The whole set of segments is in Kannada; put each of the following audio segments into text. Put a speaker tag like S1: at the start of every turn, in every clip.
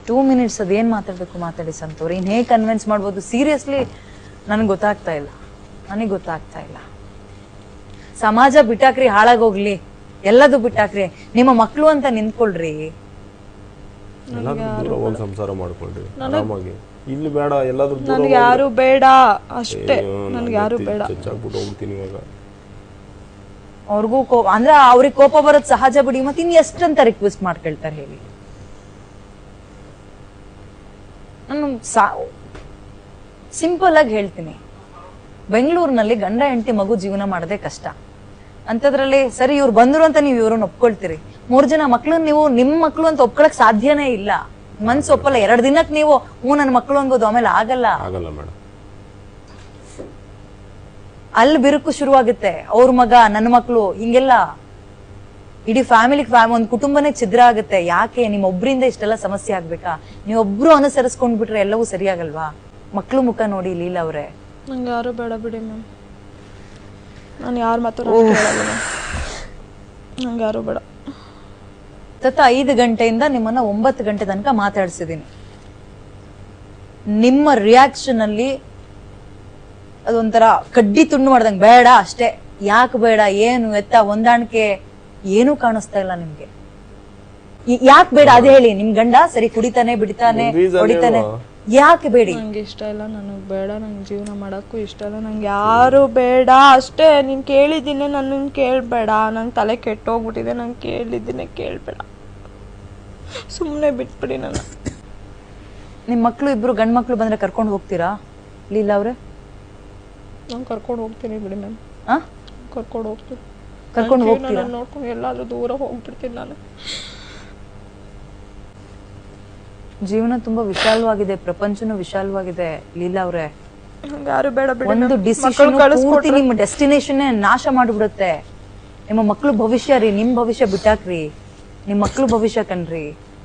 S1: 2 minutes ಅದೇನ್ ಮಾತಾಡ್ಬೇಕು ಮಾತಾಡಿ ಸಂತೋರ್. ಇನ್ ಹೇಗೆ ಕನ್ವಿನ್ಸ್ ಮಾಡ್ಬೋದು ಸೀರಿಯಸ್ಲಿ ನನಗೆ ಗೊತ್ತಾಗ್ತಾ ಇಲ್ಲ. ಸಮಾಜ ಬಿಟ್ಟಾಕ್ರಿ, ಹಾಳಾಗೋಗ್ಲಿ, ಎಲ್ಲದೂ ಬಿಟ್ಟಾಕ್ರಿ, ನಿಮ್ಮ ಮಕ್ಳು ಅಂತ ನಿಂತ್ಕೊಳ್ರಿ.
S2: ಒಂದ್ ಸಂಸಾರ ಮಾಡ್ಕೊಳ್ರಿ ಆರಾಮಾಗಿ. ಇಲ್ಲಿ ಬೇಡ, ಎಲ್ಲಾದ್ರೂ
S3: ನನಗೆ ಯಾರು ಬೇಡ ಅಷ್ಟೇ, ನನಗೆ ಯಾರು ಬೇಡ.
S2: ಚಚ್ಚಾಗ್ಬಿಟ್ಟು ಹೋಗ್ತೀನಿ ಇವಾಗ.
S1: ಅವ್ರಿಗೂ ಅಂದ್ರೆ ಅವ್ರಿಗೆ ಕೋಪ ಬರೋದ್ ಸಹಜ ಬಿಡಿ, ಮತ್ತೆ ಇನ್ ಎಷ್ಟಂತ ರಿಕ್ವೆಸ್ಟ್ ಮಾಡ್ಕೊಳ್ತಾರೆ ಹೇಳಿ. ನಾನು ಸಿಂಪಲ್ ಆಗಿ ಹೇಳ್ತೀನಿ, ಬೆಂಗಳೂರಿನಲ್ಲಿ ಗಂಡ ಹೆಂಡತಿ ಮಗು ಜೀವನ ಮಾಡೋದೇ ಕಷ್ಟ. ಅಂತದ್ರಲ್ಲಿ ಸರಿ ಇವ್ರು ಬಂದ್ರು ಅಂತ ನೀವು ಇವ್ರನ್ನ ಒಪ್ಕೊಳ್ತೀರಿ, 3 ಜನ ಮಕ್ಳನ್ನ ನೀವು ನಿಮ್ ಮಕ್ಳು ಅಂತ ಒಪ್ಕೊಳಕ್ ಸಾಧ್ಯನೇ ಇಲ್ಲ. ಮನ್ಸು ಒಪ್ಪಲ್ಲ. 2 ದಿನಕ್ಕೆ ನೀವು ನನ್ನ ಮಕ್ಳು ಅನ್ಬೋದು, ಆಮೇಲೆ ಆಗಲ್ಲ
S2: ಮೇಡಮ್.
S1: ಅಲ್ಲಿ ಬಿರುಕು ಶುರುವಾಗುತ್ತೆ. ಅವ್ರ ಮಗ, ನನ್ನ ಮಕ್ಳು, ಹಿಂಗೆಲ್ಲ ಇಡೀ ಒಂದ್ ಕುಟುಂಬನೇ ಛಿದ್ರ ಆಗುತ್ತೆ. ಯಾಕೆ ನಿಮ್ಮ ಒಬ್ರಿಂದ ಇಷ್ಟೆಲ್ಲ ಸಮಸ್ಯೆ ಆಗ್ಬೇಕಾ? ನೀವೊಬ್ರು ಅನುಸರಿಸ್ಕೊಂಡ್ಬಿಟ್ರೆ ಎಲ್ಲವೂ ಸರಿಯಾಗಲ್ವಾ? ಮಕ್ಳು ಮುಖ ನೋಡಿ ಲೀಲಾ ಅವ್ರೆ.
S3: ನಂಗೆ ಯಾರು ಬೇಡ ಬಿಡಿ ಮ್ಯಾಮ್, ನಾನು ಯಾರ ಮಾತು ನಂಗೆ ಯಾರು ಬೇಡ.
S1: 5 ಗಂಟೆಯಿಂದ ನಿಮ್ಮನ್ನ 9 ಗಂಟೆ ತನಕ ಮಾತಾಡ್ಸಿದೀನಿ. ನಿಮ್ಮ ರಿಯಾಕ್ಷನ್ ಅಲ್ಲಿ ಅದೊಂಥರ ಕಡ್ಡಿ ತುಂಡು ಮಾಡ್ದಂಗೆ, ಬೇಡ ಅಷ್ಟೇ. ಯಾಕೆ ಬೇಡ, ಏನು ಎತ್ತ ಹೊಂದಾಣಿಕೆ ಏನೂ ಕಾಣಿಸ್ತಾ ಇಲ್ಲ ನಿಮ್ಗೆ. ಯಾಕೆ ಬೇಡ ಅದೇ ಹೇಳಿ. ನಿಮ್ ಗಂಡ ಸರಿ ಕುಡಿತಾನೆ, ಬಿಡ್ತಾನೆ, ಹೊಡಿತಾನೆ, ಯಾಕೆ ಬೇಡಿ?
S3: ನಂಗೆ ಇಷ್ಟ ಇಲ್ಲ, ನನಗೆ ಬೇಡ, ನಂಗೆ ಜೀವನ ಮಾಡಕ್ಕೂ ಇಷ್ಟ ಇಲ್ಲ, ನಂಗೆ ಯಾರು ಬೇಡ ಅಷ್ಟೇ. ನೀನ್ ಕೇಳಿದ್ದೀನಿ, ನನ್ನ ಕೇಳ್ಬೇಡ, ನಂಗೆ ತಲೆ ಕೆಟ್ಟೋಗ್ಬಿಟ್ಟಿದೆ, ನಂಗೆ ಕೇಳಿದ್ದೀನಿ, ಕೇಳ್ಬೇಡ, ಸುಮ್ಮನೆ ಬಿಟ್ಬಿಡಿ ನನ್ನ.
S1: ನಿಮ್ ಮಕ್ಳು ಇಬ್ರು ಗಂಡ್ ಮಕ್ಳು ಬಂದ್ರೆ ಕರ್ಕೊಂಡು ಹೋಗ್ತೀರಾ ಲೀಲಾ ಅವ್ರೆ?
S3: ನಾನು ಕರ್ಕೊಂಡು ಹೋಗ್ತೀನಿ ಬಿಡಿ ಮ್ಯಾಮ್. ಕರ್ಕೊಂಡು ಹೋಗ್ತೀನಿ,
S1: ಕರ್ಕೊಂಡು ಹೋಗ್ತೀರಾ?
S3: ನೋಡ್ಕೊಂಡು ಎಲ್ಲಾದ್ರೂ ದೂರ ಹೋಗ್ಬಿಡ್ತೀನಿ ನಾನು.
S1: ಜೀವನ ತುಂಬಾ ವಿಶಾಲವಾಗಿದೆ, ಪ್ರಪಂಚನೂ ವಿಶಾಲವಾಗಿದೆ ಲೀಲಾ ಅವ್ರೆ.
S3: ಯಾರು ಬೇಡ ಬಿಡಿ.
S1: ಒಂದು ಡಿಸಿಷನ್ ಪೂರ್ತಿ ನಿಮ್ಮ ಡೆಸ್ಟಿನೇಷನ್ ನಾಶ ಮಾಡ್ಬಿಡುತ್ತೆ. ನಿಮ್ಮ ಮಕ್ಳು ಭವಿಷ್ಯ ರೀ, ನಿಮ್ ಭವಿಷ್ಯ ಬಿಟ್ಟಾಕ್ರಿ, ನಿಮ್ ಮಕ್ಳು ಭವಿಷ್ಯ ಕಣ್ರಿ.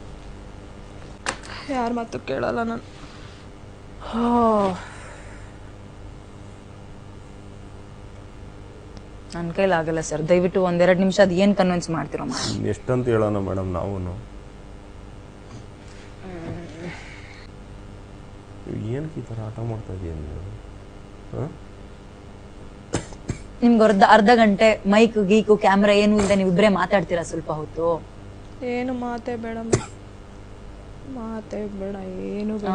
S3: ಯಾರ ಮಾತು ಕೇಳಲ್ಲ ನಾನು.
S1: ನನ್ ಕೈಲಾಗಲ್ಲ ಸರ್, ದಯವಿಟ್ಟು 1-2 ನಿಮಿಷ ಅದ್ ಏನ್ ಕನ್ವಿನ್ಸ್ ಮಾಡ್ತಿರೋ
S2: ಎಷ್ಟಂತ ಹೇಳೋಣ ಮೇಡಮ್ ನಾವು. ಏನಕ್ಕೆ ಈ ತರ ಆಟ ಮಾಡ್ತಾ ಇದೀಯ
S1: ನಿಮ್ಗೆ ಅರ್ಧ ಗಂಟೆ ಮೈಕ್ ಗೀಕು ಕ್ಯಾಮ್ರಾ ಏನು ಇಲ್ಲದೆ ನೀವಿಬ್ರೇ ಮಾತಾಡ್ತೀರಾ ಸ್ವಲ್ಪ ಹೊತ್ತು?
S3: ಏನು ಮಾತೇ ಬೇಡ, ಮಾತೇ ಬೇಡ, ಏನು ಬೇಡ.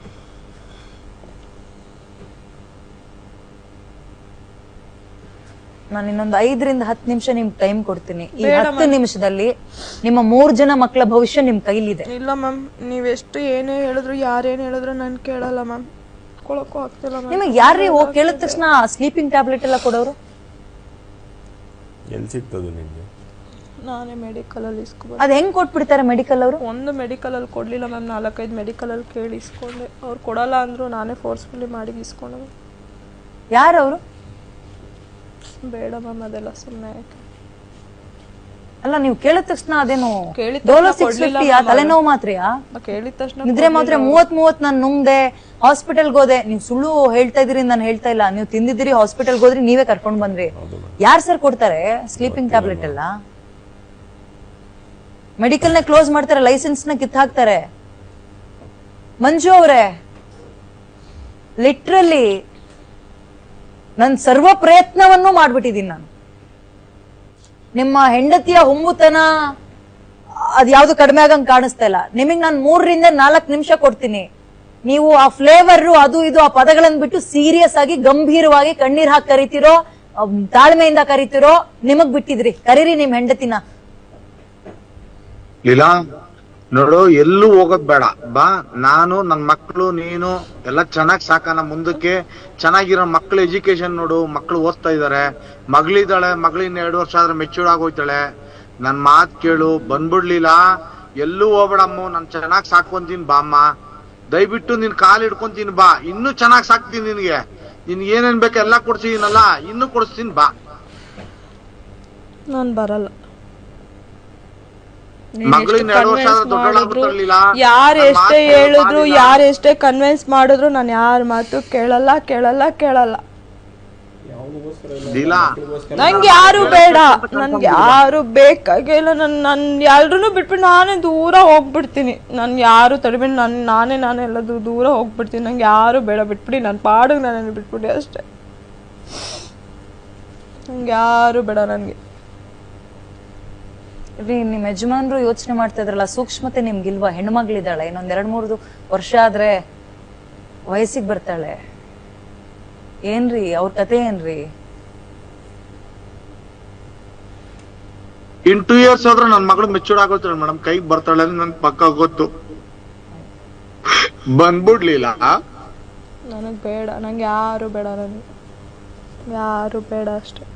S1: ನಾನು ಇನ್ನೊಂದು 5-10 ನಿಮಿಷ ನಿಮ್ಗೆ ಟೈಮ್ ಕೊಡ್ತೀನಿ. ಈ 10 ನಿಮಿಷದಲ್ಲಿ ನಿಮ್ಮ 3 ಜನ ಮಕ್ಕಳ ಭವಿಷ್ಯ ನಿಮ್ ಕೈಲಿದೆ.
S3: ಇಲ್ಲ ಮ್ಯಾಮ್, ನೀವೆಷ್ಟು ಏನೇ ಹೇಳಿದ್ರು, ಯಾರೇನು ಹೇಳಿದ್ರು ನಾನು ಕೇಳಲ್ಲ ಮ್ಯಾಮ್. ಕೊಳಕ್ಕೂ ಆಗ್ತಿಲ್ಲ ಮ್ಯಾಮ್.
S1: ನಿಮಗೆ ಯಾರೇ ಹೋಗಿ ಕೇಳಿದ ತಕ್ಷಣ ಸ್ಲೀಪಿಂಗ್ ಟ್ಯಾಬ್ಲೆಟ್ ಎಲ್ಲ ಕೊಡೋರು?
S2: ಎಲ್ಲಿ ಸಿಗ್ತದೆ ನಿಮಗೆ?
S3: ನಾನೇ ಮೆಡಿಕಲ್ ಅಲ್ಲಿ ಇಸ್ಕೊಂಡು.
S1: ಅದ್ ಹೆಂಗ್ ಕೊಟ್ಬಿಡ್ತಾರೆ ಮೆಡಿಕಲ್ ಅವರು?
S3: ಒಂದು ಮೆಡಿಕಲ್ ಅಲ್ಲಿ ಕೊಡ್ಲಿಲ್ಲ ಮ್ಯಾಮ್, 4-5 ಮೆಡಿಕಲ್ ಅಲ್ಲಿ ಕೇಳಿ ಇಸ್ಕೊಂಡೆ. ಅವ್ರು ಕೊಡಲ್ಲ ಅಂದ್ರು, ನಾನೇ ಫೋರ್ಸ್ಫುಲಿ ಮಾಡಿ ಇಸ್ಕೊಂಡೆ.
S1: ಯಾರವರು?
S3: ಬೇಡ ಮ್ಯಾಮ್, ಅದೆಲ್ಲ ಸುಮ್ಮನೆ.
S1: ಅಲ್ಲ ನೀವು ಕೇಳಿದ ತಕ್ಷಣ ಅದೇನು
S3: ಕೇಳಿದ
S1: ತಲೆನೋವು ಮಾತ್ರೆಯಾ?
S3: ಕೇಳಿದ ತಕ್ಷಣ
S1: ನಿದ್ರೆ ಮಾತ್ರೆ 30 ನಾನು ನುಂಗ್ದೆ, ಹಾಸ್ಪಿಟಲ್ಗೆ ಹೋದೆ. ನೀವು ಸುಳ್ಳು ಹೇಳ್ತಾ ಇದೀರಿ, ನಾನು ಹೇಳ್ತಾ ಇಲ್ಲ. ನೀವು ತಿಂದಿದ್ದೀರಿ, ಹಾಸ್ಪಿಟಲ್ಗೆ ಹೋದ್ರಿ, ನೀವೇ ಕರ್ಕೊಂಡ್ ಬಂದ್ರಿ. ಯಾರು ಸರ್ ಕೊಡ್ತಾರೆ ಸ್ಲೀಪಿಂಗ್ ಟ್ಯಾಬ್ಲೆಟ್ ಎಲ್ಲ? ಮೆಡಿಕಲ್ ನ ಕ್ಲೋಸ್ ಮಾಡ್ತಾರೆ, ಲೈಸೆನ್ಸ್ ನ ಕಿತ್ ಹಾಕ್ತಾರೆ. ಮಂಜು ಅವರೇ, ಲಿಟ್ರಲಿ ನನ್ ಸರ್ವ ಪ್ರಯತ್ನವನ್ನು ಮಾಡ್ಬಿಟ್ಟಿದೀನಿ ನಾನು. ನಿಮ್ಮ ಹೆಂಡತಿಯ ಹುಂಬುತನ ಅದ್ಯಾವ್ದು ಕಡಿಮೆ ಆಗಂಗ್ ಕಾಣಿಸ್ತಾ ಇಲ್ಲ. ನಿಮಗ್ ನಾನು 3-4 ನಿಮಿಷ ಕೊಡ್ತೀನಿ. ನೀವು ಆ ಫ್ಲೇವರ್ ಅದು ಇದು ಆ ಪದಗಳನ್ನ ಬಿಟ್ಟು ಸೀರಿಯಸ್ ಆಗಿ ಗಂಭೀರವಾಗಿ ಕಣ್ಣೀರ್ ಹಾಕಿ ಕರಿತಿರೋ, ತಾಳ್ಮೆಯಿಂದ ಕರಿತಿರೋ, ನಿಮಗ್ ಬಿಟ್ಟಿದ್ರಿ. ಕರೀರಿ ನಿಮ್ ಹೆಂಡತಿನ.
S4: ಲೀಲಾ ನೋಡು, ಎಲ್ಲೂ ಹೋಗೋದ್ ಬೇಡ, ಬಾ. ನಾನು ನನ್ ಮಕ್ಳು ನೀನು ಎಲ್ಲ ಚೆನ್ನಾಗ್ ಸಾಕನ. ಮುಂದಕ್ಕೆ ಚೆನ್ನಾಗಿರೋ ಮಕ್ಳು ಎಜುಕೇಶನ್ ನೋಡು, ಮಕ್ಳು ಓದ್ತಾ ಇದಾರೆ. ಮಗಳಿದ್ದಾಳೆ, ಮಗಳಿನ್ನ 2 ವರ್ಷ ಆದ್ರೆ ಮೆಚೂರ್ ಆಗೋಯ್ತಾಳೆ. ನನ್ ಮಾತ್ ಕೇಳು, ಬಂದ್ಬಿಡ್ಲಿಲ್ಲ. ಎಲ್ಲೂ ಹೋಗ್ಬೇಡಮ್ಮ, ನಾನ್ ಚೆನ್ನಾಗ್ ಸಾಕೊಂತೀನಿ ಬಾ ಅಮ್ಮ. ದಯವಿಟ್ಟು ನಿನ್ ಕಾಲ್ ಹಿಡ್ಕೊಂತೀನಿ ಬಾ. ಇನ್ನೂ ಚೆನ್ನಾಗ್ ಸಾಕ್ತೀನಿ ನಿನ್ಗೆ. ನಿನ್ ಏನೇನ್ ಬೇಕು ಎಲ್ಲ ಕೊಡ್ಸಿದೀನಲ್ಲ, ಇನ್ನೂ ಕೊಡಿಸ್ತೀನಿ ಬಾ.
S3: ನಾನ್ ಬರಲ್ಲ. ಯಾರೆಷ್ಟೇ ಹೇಳಿದ್ರು, ಯಾರೆಷ್ಟೇ ಕನ್ವಿನ್ಸ್ ಮಾಡಿದ್ರು, ನಾನು ಯಾರ ಮಾತು ಕೇಳಲ್ಲ ಕೇಳಲ್ಲ ಕೇಳಲ್ಲ.
S4: ಲೀಲಾ
S3: ನಂಗೆ ಯಾರು ಬೇಡ, ನನ್ಗೆ ಯಾರು ಬೇಕಾಗಿಲ್ಲ. ನನ್ ಎಲ್ರೂ ಬಿಟ್ಬಿಟ್ಟು ನಾನೇ ದೂರ ಹೋಗ್ಬಿಡ್ತೀನಿ. ನನ್ ಯಾರು ತಡಿಬಿಟ್ಟು ನಾನೇ ಎಲ್ಲದು ದೂರ ಹೋಗ್ಬಿಡ್ತೀನಿ. ನಂಗೆ ಯಾರು ಬೇಡ, ಬಿಟ್ಬಿಡಿ. ನನ್ನ ಪಾಡಿಗೆ ನಾನು ಬಿಟ್ಬಿಡಿ ಅಷ್ಟೇ. ನಂಗೆ ಯಾರು ಬೇಡ. ನನ್ಗೆ
S1: ರೀ ನಿಮ್ ಯಜಮಾನ್ರು ಯೋಚನೆ ಮಾಡ್ತಾ ಇದ್ರಲ್ಲ, ಸೂಕ್ಷ್ಮತೆ ನಿಮ್ಗಿಲ್ವಾ? ಹೆಣ್ಮಗ್ಳಿದ್ದಾಳೆ, ಇನ್ನೊಂದ್ 2-3 ವರ್ಷ ಆದ್ರೆ ವಯಸ್ಸಿಗೆ ಬರ್ತಾಳೆ. ಏನ್ರಿ ಅವ್ರ ಕತೆ ಏನ್ರಿ?
S4: ಇನ್ 2 years ಆದ್ರೆ ನನ್ ಮಗಳು ಮೆಚೂರ್ ಆಗೋತಾಳೆ ಮೇಡಮ್, ಕೈಗೆ ಬರ್ತಾಳೆ ಅಂತ ನನ್ ಪಕ್ಕ ಗೊತ್ತು. ಬಂದ್ಬಿಡ್ಲಿಲ್ಲ.
S3: ನನಗ್ ಬೇಡ, ನಂಗೆ ಯಾರು ಬೇಡ, ನನ್ಗೆ ಯಾರು ಬೇಡ ಅಷ್ಟೇ.